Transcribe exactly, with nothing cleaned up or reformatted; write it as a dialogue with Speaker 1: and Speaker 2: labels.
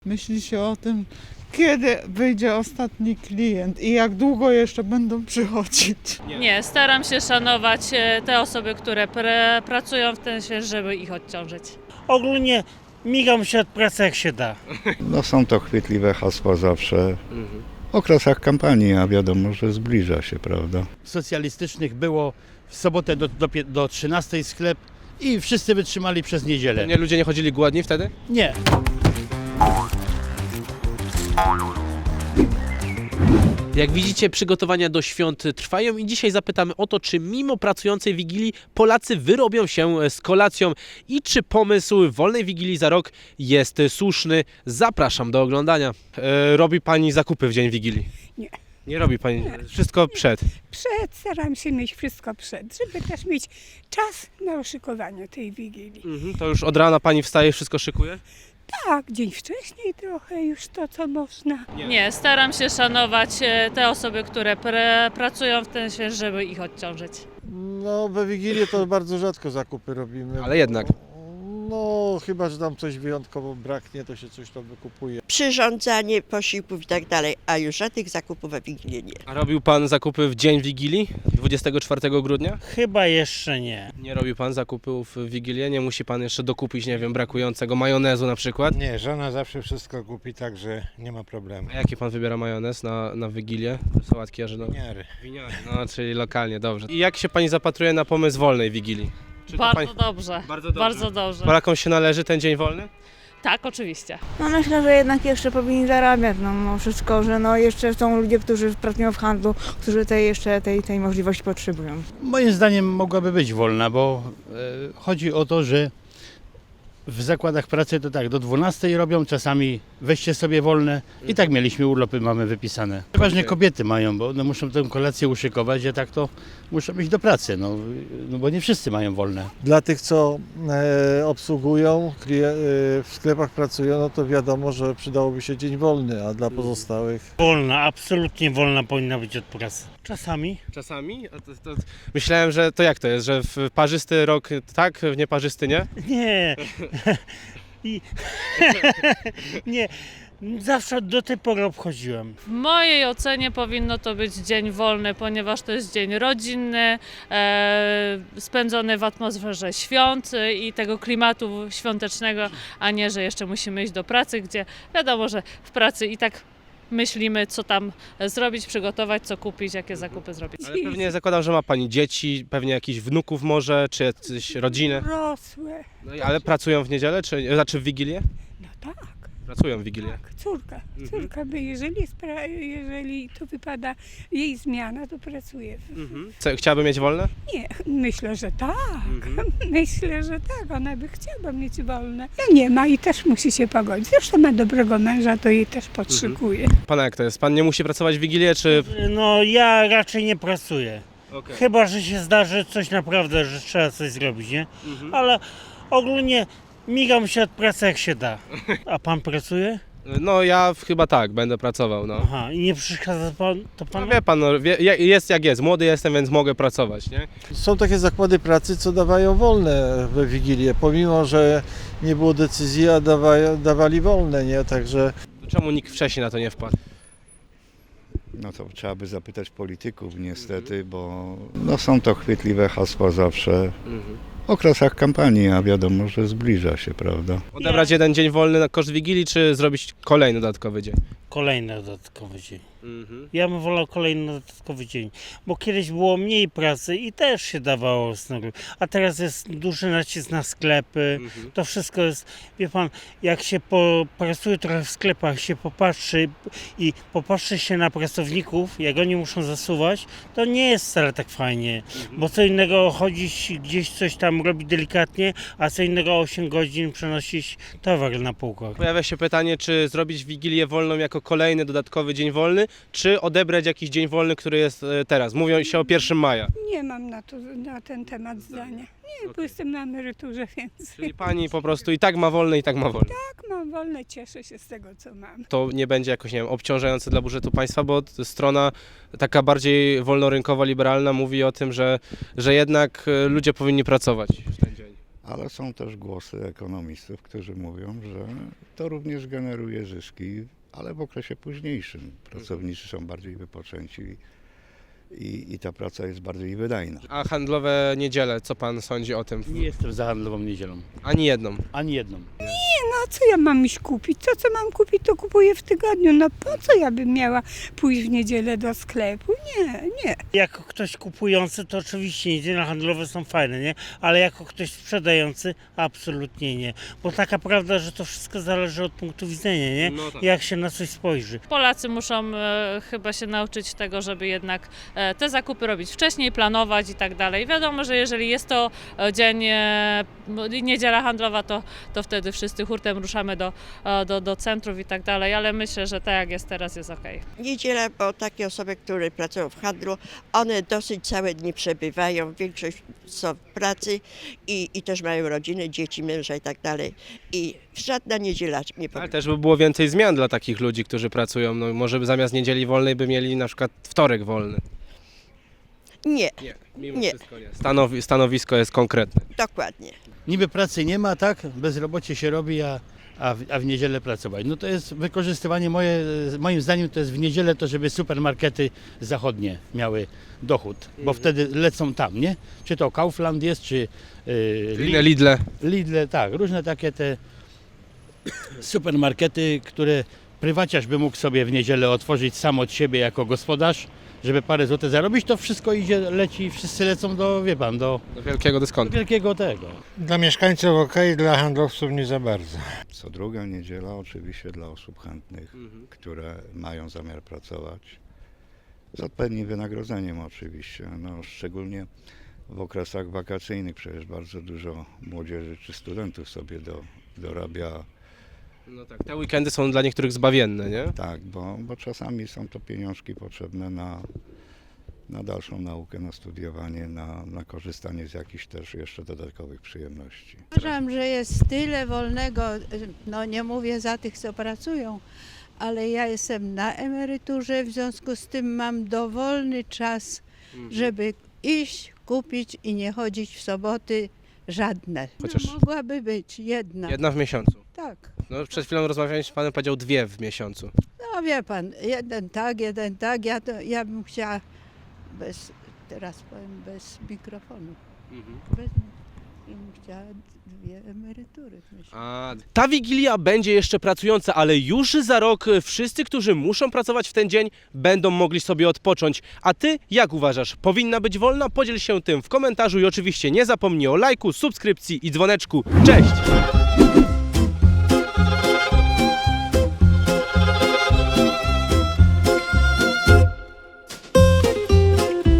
Speaker 1: Myśli się o tym, kiedy wyjdzie ostatni klient i jak długo jeszcze będą przychodzić.
Speaker 2: Nie, Nie staram się szanować e, te osoby, które pre, pracują w ten sensie, żeby ich odciążyć.
Speaker 3: Ogólnie migam się od pracy jak się da.
Speaker 4: No są to chwytliwe hasła zawsze. Mhm. W okresach kampanii, a wiadomo, że zbliża się, prawda?
Speaker 5: Socjalistycznych było w sobotę do, do, do trzynastej sklep i wszyscy wytrzymali przez niedzielę.
Speaker 6: Nie, ludzie nie chodzili głodni wtedy?
Speaker 5: Nie.
Speaker 7: Jak widzicie, przygotowania do świąt trwają i dzisiaj zapytamy o to, czy mimo pracującej Wigilii Polacy wyrobią się z kolacją i czy pomysł wolnej Wigilii za rok jest słuszny. Zapraszam do oglądania.
Speaker 6: E, robi Pani zakupy w dzień Wigilii?
Speaker 8: Nie.
Speaker 6: Nie robi Pani? Wszystko przed?
Speaker 8: Przed, staram się mieć wszystko przed, żeby też mieć czas na oszykowanie tej Wigilii.
Speaker 6: Mhm, to już od rana Pani wstaje, wszystko szykuje?
Speaker 8: Tak, dzień wcześniej trochę już to, co można.
Speaker 2: Nie, Nie staram się szanować e, te osoby, które pre, pracują w ten sensie, żeby ich odciążyć.
Speaker 9: No we Wigilię to bardzo rzadko zakupy robimy.
Speaker 6: Ale jednak.
Speaker 9: No chyba, że tam coś wyjątkowo braknie, to się coś tam wykupuje.
Speaker 10: Przyrządzanie posiłków i tak dalej, a już żadnych zakupów we Wigilię nie.
Speaker 6: A robił Pan zakupy w dzień Wigilii, dwudziestego czwartego grudnia?
Speaker 3: Chyba jeszcze nie.
Speaker 6: Nie robi Pan zakupów w Wigilię? Nie musi Pan jeszcze dokupić, nie wiem, brakującego majonezu na przykład?
Speaker 11: Nie, żona zawsze wszystko kupi, także nie ma problemu.
Speaker 6: A jaki Pan wybiera majonez na, na Wigilię? Sałatki jarzynowe?
Speaker 11: Winiary.
Speaker 6: Winiary, no czyli lokalnie, dobrze. I jak się Pani zapatruje na pomysł wolnej Wigilii? Czy to
Speaker 2: Bardzo,
Speaker 6: pani...
Speaker 2: dobrze.
Speaker 6: Bardzo dobrze.
Speaker 2: Bardzo dobrze.
Speaker 6: Polakom się należy ten dzień wolny?
Speaker 2: Tak, oczywiście.
Speaker 12: No myślę, że jednak jeszcze powinni zarabiać, no mimo wszystko, że no jeszcze są ludzie, którzy pracują w handlu, którzy tej jeszcze tej, tej możliwości potrzebują.
Speaker 5: Moim zdaniem mogłaby być wolna, bo e, chodzi o to, że w zakładach pracy to tak, do dwunastej robią, czasami weźcie sobie wolne i tak mieliśmy urlopy, mamy wypisane. Przeważnie kobiety mają, bo one muszą tę kolację uszykować, a tak to muszą iść do pracy, no, no bo nie wszyscy mają wolne.
Speaker 9: Dla tych, co e, obsługują, klien- e, w sklepach pracują, no to wiadomo, że przydałoby się dzień wolny, a dla pozostałych...
Speaker 3: Wolna, absolutnie wolna powinna być od pracy. Czasami.
Speaker 6: Czasami? A to, to, myślałem, że to jak to jest, że w parzysty rok tak, w nieparzysty nie?
Speaker 3: Nie. I... nie. Zawsze do tej pory obchodziłem.
Speaker 2: W mojej ocenie powinno to być dzień wolny, ponieważ to jest dzień rodzinny, e, spędzony w atmosferze świąt i tego klimatu świątecznego, a nie, że jeszcze musimy iść do pracy, gdzie wiadomo, że w pracy i tak myślimy, co tam zrobić, przygotować, co kupić, jakie zakupy zrobić.
Speaker 6: Ale pewnie zakładam, że ma Pani dzieci, pewnie jakichś wnuków może, czy jacyś rodzinę.
Speaker 8: Rosłe.
Speaker 6: No, i- ale pracują w niedzielę, czy znaczy w Wigilię?
Speaker 8: No tak,
Speaker 6: Pracują w Wigilię.
Speaker 8: tak, córka.
Speaker 6: Mhm.
Speaker 8: Córka by, jeżeli, spra- jeżeli to wypada jej zmiana, to pracuje. W-
Speaker 6: Mhm. Co, chciałaby mieć wolne?
Speaker 8: Nie, myślę, że tak.
Speaker 6: Mhm.
Speaker 8: Myślę, że tak. Ona by chciała mieć wolne. Ja nie ma i też musi się pogodzić. Zresztą ma dobrego męża, to jej też podszykuje.
Speaker 6: Pana jak to jest? Pan nie musi pracować w Wigilię, czy...
Speaker 3: No ja raczej nie pracuję.
Speaker 6: Okay.
Speaker 3: Chyba, że się zdarzy coś naprawdę, że trzeba coś zrobić, nie?
Speaker 6: Mhm.
Speaker 3: Ale ogólnie migam się od pracy jak się da. A pan pracuje?
Speaker 6: No ja chyba tak, będę pracował, no.
Speaker 3: Aha, i nie przeszkadza pan, to
Speaker 6: No
Speaker 3: pan?
Speaker 6: wie Pan, no, wie, jest jak jest, młody jestem, więc mogę pracować, nie?
Speaker 9: Są takie zakłady pracy, co dawają wolne we Wigilię, pomimo, że nie było decyzji, a dawa- dawali wolne, nie? Także...
Speaker 6: To czemu nikt wcześniej na to nie wpadł?
Speaker 4: No to trzeba by zapytać polityków niestety, bo no są to chwytliwe hasła zawsze.
Speaker 6: Mhm.
Speaker 4: W okresach kampanii, a wiadomo, że zbliża się, prawda?
Speaker 6: Odebrać jeden dzień wolny na koszt Wigilii, czy zrobić kolejny dodatkowy dzień?
Speaker 3: Kolejny dodatkowy dzień.
Speaker 6: Mhm.
Speaker 3: Ja bym wolał kolejny dodatkowy dzień, bo kiedyś było mniej pracy i też się dawało snoru, a teraz jest duży nacisk na sklepy,
Speaker 6: Mhm.
Speaker 3: to wszystko jest, wie pan, jak się popracuje trochę w sklepach, się popatrzy i popatrzy się na pracowników, jak oni muszą zasuwać, to nie jest wcale tak fajnie, bo co innego chodzić gdzieś coś tam robić delikatnie, a co innego osiem godzin przenosić towar na półkach.
Speaker 6: Pojawia się pytanie, czy zrobić Wigilię wolną jako kolejny dodatkowy dzień wolny, czy odebrać jakiś dzień wolny, który jest e, teraz. Mówią się o pierwszego maja.
Speaker 8: Nie mam na, to, na ten temat zdania. Nie, bo jestem na emeryturze, więc
Speaker 6: Czyli Pani po prostu i tak ma wolny, i tak ma wolny.
Speaker 8: tak mam wolne, cieszę się z tego, co mam.
Speaker 6: To nie będzie jakoś, nie wiem, obciążające dla budżetu państwa, bo strona taka bardziej wolnorynkowa, liberalna mówi o tym, że, że jednak e, ludzie powinni pracować w ten dzień.
Speaker 4: ale są też głosy ekonomistów, którzy mówią, że to również generuje zyski, ale w okresie późniejszym. Pracownicy są bardziej wypoczęci i, i ta praca jest bardziej wydajna.
Speaker 6: A handlowe niedziele, co pan sądzi o tym?
Speaker 5: Nie jestem za handlową niedzielą.
Speaker 6: Ani jedną.
Speaker 5: Ani jedną.
Speaker 8: No co ja mam iść kupić? To co mam kupić, to kupuję w tygodniu. No po co ja bym miała pójść w niedzielę do sklepu? Nie, nie.
Speaker 3: Jako ktoś kupujący, to oczywiście niedziele handlowe są fajne, nie? Ale jako ktoś sprzedający, absolutnie nie. Bo taka prawda, że to wszystko zależy od punktu widzenia, nie?
Speaker 6: No tak.
Speaker 3: Jak się na coś spojrzy.
Speaker 2: Polacy muszą e, chyba się nauczyć tego, żeby jednak e, te zakupy robić wcześniej, planować i tak dalej. Wiadomo, że jeżeli jest to e, dzień, e, niedziela handlowa, to, to wtedy wszyscy hurtem ruszamy do, e, do, do centrów i tak dalej, ale myślę, że tak jak jest teraz, jest okej.
Speaker 10: Niedziela, bo takie osoby, które pracują w handlu, one dosyć całe dni przebywają, większość są w pracy i, i też mają rodziny, dzieci, męża i tak dalej. I żadna niedziela nie
Speaker 6: Ale
Speaker 10: powinna.
Speaker 6: też by było więcej zmian dla takich ludzi, którzy pracują. No, może by zamiast niedzieli wolnej by mieli na przykład wtorek wolny.
Speaker 10: Nie,
Speaker 6: Nie, mimo
Speaker 10: Nie.
Speaker 6: wszystko nie. Stanowi, stanowisko jest konkretne.
Speaker 10: dokładnie.
Speaker 5: Niby pracy nie ma, tak? Bezrobocie się robi, a, a, w, a w niedzielę pracować. No to jest wykorzystywanie, moje, moim zdaniem to jest w niedzielę to, żeby supermarkety zachodnie miały dochód, bo wtedy lecą tam, nie? Czy to Kaufland jest, czy yy,
Speaker 6: Inne Lidle.
Speaker 5: Lidle, tak, różne takie te supermarkety, które prywaciarz by mógł sobie w niedzielę otworzyć sam od siebie jako gospodarz, żeby parę złotych zarobić, to wszystko idzie, leci, wszyscy lecą do, wie pan, do,
Speaker 6: Do wielkiego
Speaker 5: do
Speaker 6: dyskontu.
Speaker 5: wielkiego tego.
Speaker 11: Dla mieszkańców ok, dla handlowców nie za bardzo.
Speaker 4: Co druga niedziela oczywiście dla osób chętnych,
Speaker 6: Mhm.
Speaker 4: które mają zamiar pracować. Z odpowiednim wynagrodzeniem oczywiście, no, szczególnie w okresach wakacyjnych przecież bardzo dużo młodzieży czy studentów sobie do, dorabia.
Speaker 6: No tak, te weekendy są dla niektórych zbawienne, nie?
Speaker 4: Tak, bo, bo czasami są to pieniążki potrzebne na, na dalszą naukę, na studiowanie, na, na korzystanie z jakichś też jeszcze dodatkowych przyjemności.
Speaker 13: Uważam, że jest tyle wolnego, no nie mówię za tych, co pracują, ale ja jestem na emeryturze, w związku z tym mam dowolny czas, żeby iść, kupić i nie chodzić w soboty żadne.
Speaker 6: Chociaż-
Speaker 13: No, mogłaby być jedna.
Speaker 6: Jedna w miesiącu.
Speaker 13: Tak.
Speaker 6: No, przed chwilą rozmawiałem z panem, powiedział dwie w miesiącu.
Speaker 13: No wie pan, jeden tak, jeden tak, ja, to, ja bym chciała bez, teraz powiem bez mikrofonu, bez, i bym chciała dwie emerytury w miesiącu.
Speaker 6: A, ta Wigilia będzie jeszcze pracująca, ale już za rok wszyscy, którzy muszą pracować w ten dzień, będą mogli sobie odpocząć. A ty, jak uważasz, powinna być wolna? Podziel się tym w komentarzu i oczywiście nie zapomnij o lajku, subskrypcji i dzwoneczku. Cześć!